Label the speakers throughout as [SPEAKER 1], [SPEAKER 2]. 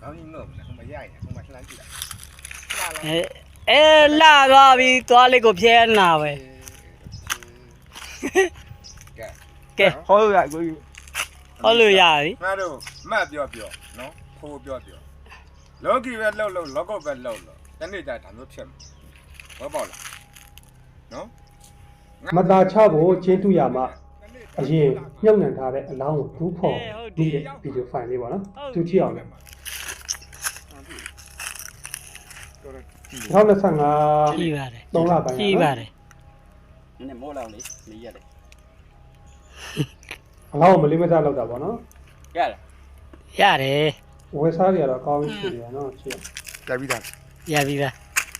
[SPEAKER 1] ခေါင်းကြီးနှုတ်တယ်ဟိုမှာရိုက်တယ်ဟိုမှာလှမ်းကြည့်လိုက်
[SPEAKER 2] လာသွားပြီသွားလေးကိုဖျဲနာပဲကဲ
[SPEAKER 3] ဟောလို့ရကို
[SPEAKER 2] ဟောလို့ရပြီ
[SPEAKER 1] ငါတို့မှတ်ပြောနော်ဖိုးပြောလောကီပဲလှုပ်လောကပဲလှုပ်တနေ့ကျဒါမျိုးဖြစ်မှာဘောပေါက်လားနော်
[SPEAKER 4] မတာချဖို့ချင်းတူရမှာအရင်ညှောက်နှံထားတဲ့အလောင်းကိုဒူးဖော်ပြီးတဲ့ဗီဒီယိုဖိုင်လေးပေါ့နော်သူကြည့်အောင်လေ2025
[SPEAKER 2] ကြည့်ပါတယ်
[SPEAKER 4] 3လပိုင်း
[SPEAKER 2] ကြည့်ပါတယ်
[SPEAKER 3] နည်းမိုးလောင်လေးလေးရတယ်
[SPEAKER 4] အလောင်းကိုမလေးမစားလောက်တာပေါ့နော်
[SPEAKER 2] ရတယ်
[SPEAKER 4] ဝယ်စားကြတော့အကောင်းကြီးရှိတယ်နော်ကြည့်
[SPEAKER 1] ကြပြီးသား
[SPEAKER 2] ရပြီပါ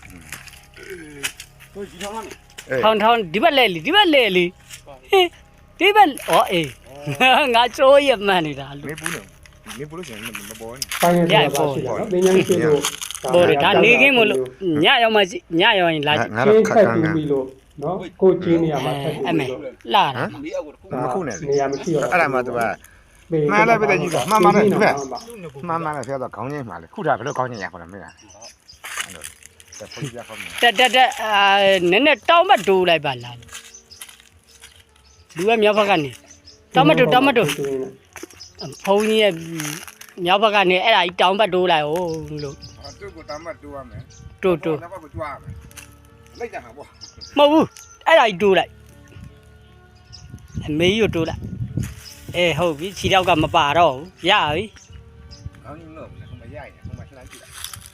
[SPEAKER 3] ကိုကြီးထောင်းလား
[SPEAKER 2] ထောင်းဒီဘက်လဲလီဒီဘက်လဲလီဒီဘက်အေးငါချိုးရမှန်နေတာလူ
[SPEAKER 1] မေးဘူးနေမေးဘူးလို့ရှိရင်မပေါ်ဘူး
[SPEAKER 4] ပိုင်းနေတယ်ပါရှိတယ်နော်ပညာရေးဖြစ်လို့
[SPEAKER 2] ပေါ်တယ်ဒါနေခင်းမလို့ညရောက်မှညရောက်ရင်လာကြည့်
[SPEAKER 4] ချင်းထက်တူပြီးလို့နော်ကိုချင်းနေရာမှာထက်တူ
[SPEAKER 2] ပြီး
[SPEAKER 4] လို့
[SPEAKER 2] လာတာ
[SPEAKER 3] လေးအောက်ကိုတစ်ခု
[SPEAKER 1] မခုနဲ့
[SPEAKER 4] နေရာမရှိတော့
[SPEAKER 1] အဲ့ဒါမှသူကမှန်လိုက်ပဲကြီးကမှန်တယ်သူကမှန်တယ်ဖျက်တော့ခေါင်းချင်းမှာလေခုဒါဘယ်လိုခေါင်းချင်းရခေါ်လဲမင်းအဲ့လိုတက်ဖို့ရခေါ်မယ်
[SPEAKER 2] တက်နည်းနည်းတောင်းမတိုးလိုက်ပါလားလူကမြောက်ဘက်ကနေတောင်းမတိုးဖုန်းကြီးရဲ့မြောက်ဘက်ကနေအဲ့ဒါကြီးတောင်းမတိုးလိုက်ဟုတ်လို့
[SPEAKER 1] သူ့ကိုတောင်းမတိုးရမယ်
[SPEAKER 2] တိုး
[SPEAKER 1] နောက်ဘက်ကိုကြွားရမယ်လိုက်ကြဟာပေါ့
[SPEAKER 2] မဟုတ်ဘူးအဲ့ဒါကြီးတိုးလိုက်အမေကြီးကိုတိုးလိုက်ဟုတ်ပြီခြေထောက်ကမပါတော့ဘူးရပြီ
[SPEAKER 1] ခေါင်းကြီးနှုတ်တယ်ဟိုမှာရိုက်တယ်ဟိုမှာလှမ်းကြည့်လိုက်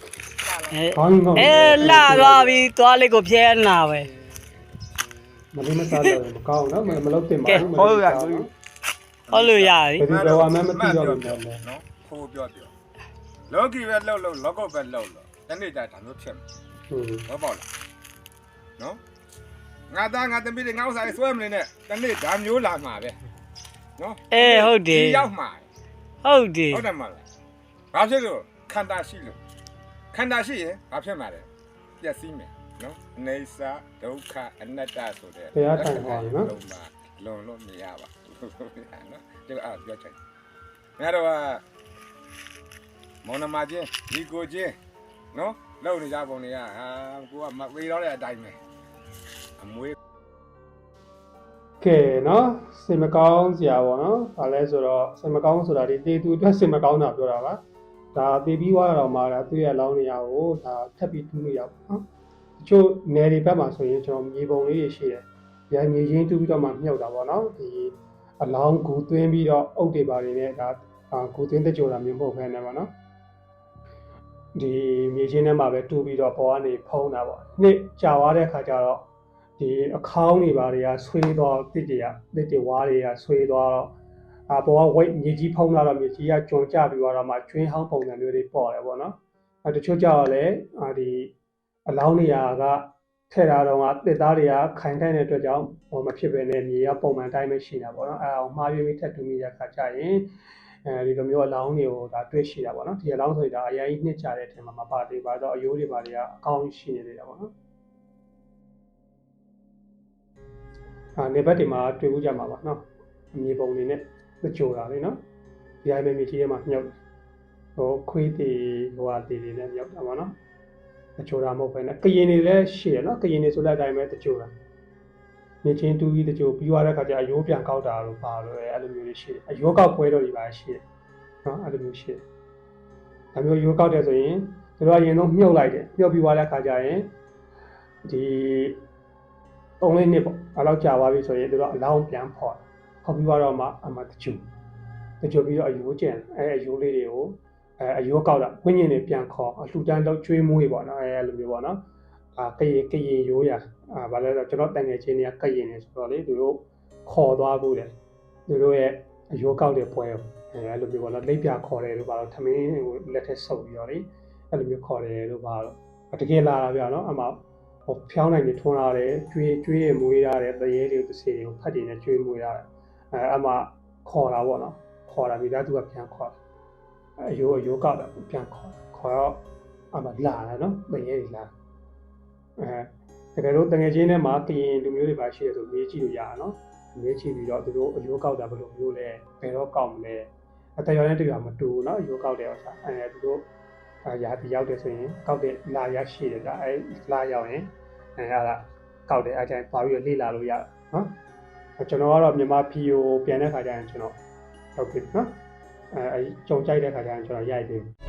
[SPEAKER 2] လာသွားပြီသွားလေးကိုဖျဲနာပဲ
[SPEAKER 4] မလေးမစားတော့မကောင်းနော်မလုပ်တင်ပါဘူး
[SPEAKER 3] ဟောလို့ရကို
[SPEAKER 2] ဟောလို့ရပြီ
[SPEAKER 4] ဘယ်လိုမှမသိတော့ဘူး
[SPEAKER 1] နော်ဖိုးပြောလောကီပဲလှုပ်လောကပဲလှုပ်တနေ့ကျဒါမျိုးဖြစ်မှာဘောပေါက်လားနော်ငါသားငါသမီးတွေငါဥစ္စာတွေဆွဲမနေနဲ့တနေ့ဒါမျိုးလာမှာပဲနော်
[SPEAKER 2] ဟုတ်တယ်
[SPEAKER 1] ဒီရောက်မှာ
[SPEAKER 2] ဟုတ်တယ်
[SPEAKER 1] ဟုတ်တယ်မလားဘာဖြစ်လို့ခန္ဓာရှိလို့ခန္ဓာရှိရင်ဘာဖြစ်မှာလဲပျက်စီးမယ်နော်အနေစာဒုက္ခအနတ္တဆိုတဲ့
[SPEAKER 4] ဘုရားထိုင်ပါနော်
[SPEAKER 1] လွန်လို့မရပါဘူးနော်ဒီအားပြောချင်ငါတော့မောင်နှမချင်းဒီကိုချင်းနော်လုံနေကြပုံတွေကကိုကမပေးတော့တဲ့အတိုင်းပဲအမွေး
[SPEAKER 4] ကဲနော်စိတ်မကောင်းစရာပေါ့နော်။ဘာလဲဆိုတော့စိတ်မကောင်းဆိုတာဒီတေသူအတွက်စိတ်မကောင်းတာပြောတာပါ။ဒါတေပြီးသွားတော့မှလည်းသူ့ရဲ့လောင်းနေရကိုဒါထပ်ပြီးတူးလို့ရပါနော်။တချို့နယ်တွေဘက်မှာဆိုရင်ကျွန်တော်မြေပုံလေးတွေရှိတယ်။ရိုင်းမြေရင်းတူးပြီးတော့မှမြုပ်တာပေါ့နော်။ဒီအလောင်းကူသွင်းပြီးတော့အုတ်တွေပါတွေနဲ့ဒါကူသွင်းတဲ့ကြိုတာမျိုးမဟုတ်ဘဲနဲ့ပေါ့နော်။ဒီမြေချင်းထဲမှာပဲတူးပြီးတော့ပေါ်ကနေဖုံးတာပေါ့။နှစ်ကြာသွားတဲ့အခါကျတော့ဒီအခေါင်းတွေပါတွေကဆွေးသွားတစ်တွေဝါးတွေကဆွေးသွားတော့ပေါ်ကဝိတ်မြေကြီးဖုံးလာတော့မြေကြီးကကျွံကျပြီးတော့မှကျွင်းဟောင်းပုံစံမျိုးတွေပေါ်တယ်ပေါ့နော်တချို့ကြောက်လည်းဒီအလောင်းနေရာကထဲ့တာတော့ကတစ်သားတွေကခိုင်ထိုင်တဲ့အတွက်ကြောင့်မဖြစ်ပဲနဲ့မြေကပုံမှန်တိုင်းပဲရှိတာပေါ့နော်အောင်မှားရွေးပြီးထပ်တူမိတဲ့အခါကျရင်ဒီလိုမျိုးအလောင်းတွေကိုဒါတွေ့ရှိတာပေါ့နော်ဒီအလောင်းဆိုရင်ဒါအရင်နှစ်ကြတဲ့အထင်မှာမပါသေးပါတော့အယိုးတွေပါတွေကအကောင်းရှိနေသေးတာပေါ့နော်နေဘက်တွေမှာတွေ့ဘူးကြမှာပါနော်အမြေပုံတွေနဲ့ကြိုတာလေနော်ဒီအိုင်ပဲမြေကြီးထဲမှာမြုပ်ခွေးတီတီတွေနဲ့မြုပ်တာပါနော်ကြိုတာမဟုတ်ပဲနဲ့ကရင်တွေလည်းရှိရနော်ကရင်တွေဆိုတဲ့အတိုင်းပဲကြိုတာမြေချင်းတူပြီးကြိုပြီးသွားတဲ့ခါကျအယိုးပြန်ကောက်တာလို့ပါလို့အဲ့လိုမျိုးတွေရှိတယ်အယိုးကောက်ပွဲတော်တွေပါရှိတယ်နော်အဲ့လိုမျိုးရှိတယ်ဒါမျိုးယိုးကောက်တယ်ဆိုရင်တို့ကအရင်ဆုံးမြုပ်လိုက်တယ်မြုပ်ပြီးသွားတဲ့ခါကျရင်ဒီ3လေးနှစ်ပေါ့အဲ့လောက်ကြာသွားပြီဆိုရင်တို့ကအလောင်းပြန်ဖော်ပြီးတော့မှအမှတချို့ပြီးတော့အယိုးကျန်အယိုးလေးတွေကိုအယိုးကောက်တာဝိညာဉ်တွေပြန်ခေါ်အလှူဒန်းတော့ကျွေးမွေးပေါ့နော်အဲ့လိုမျိုးပေါ့နော်ကရင်ရိုးရဘာလဲဆိုတော့ကျွန်တော်တန်ငယ်ချင်းတွေကကရင်နေဆိုတော့လေတို့ခေါ်သွားဖို့တယ်တို့ရဲ့အယိုးကောက်တဲ့ပွဲအဲ့လိုမျိုးပေါ့နော်လိပ်ပြခေါ်တယ်လို့ပါတော့ထမင်းကိုလက်ထက်ဆုပ်ပြီးတော့လေအဲ့လိုမျိုးခေါ်တယ်လို့ပါတော့တကယ်လာတာပြနော်အမှဖြောင်းနိုင်နေထွန်းလာတယ်ကျွေးရမွေးရတယ်တရေတွေကိုတစ်စီတွေကိုဖတ်တင်နဲ့ကျွေးမွေးရတယ်အမှခေါ်တာပေါ့နော်ခေါ်တာမိသားစုကပြန်ခေါ်အယိုးကောက်တာပြန်ခေါ်တော့အမှလာတယ်နော်တရေတွေလာတကယ်လို့တငယ်ချင်းထဲမှာကရင်လူမျိုးတွေပါရှိတယ်ဆိုမေးကြည့်လို့ရတာနော်မေးကြည့်ပြီးတော့သူတို့အယိုးကောက်တာဘယ်လိုမျိုးလဲဘယ်တော့ကောက်မလဲအတရွာနဲ့တရွာမတူဘူးနော်အယိုးကောက်တယ်ဥစ္စာသူတို့ရာသီရောက်တယ်ဆိုရင်ကောက်တဲ့လာရရှိတယ်ဒါအဲလာရောက်ရင်အဲ့ဒါကောက်တယ်အဲ့ကျရင်သွားပြီးလေ့လာလို့ရနော်ကျွန်တော်ကတော့မြန်မာဖီကိုပြန်တဲ့ခါကျရင်ကျွန်တော်ဟုတ်ပြီနော်အဲကြုံကြိုက်တဲ့ခါကျရင်ကျွန်တော်ရိုက်ပြီ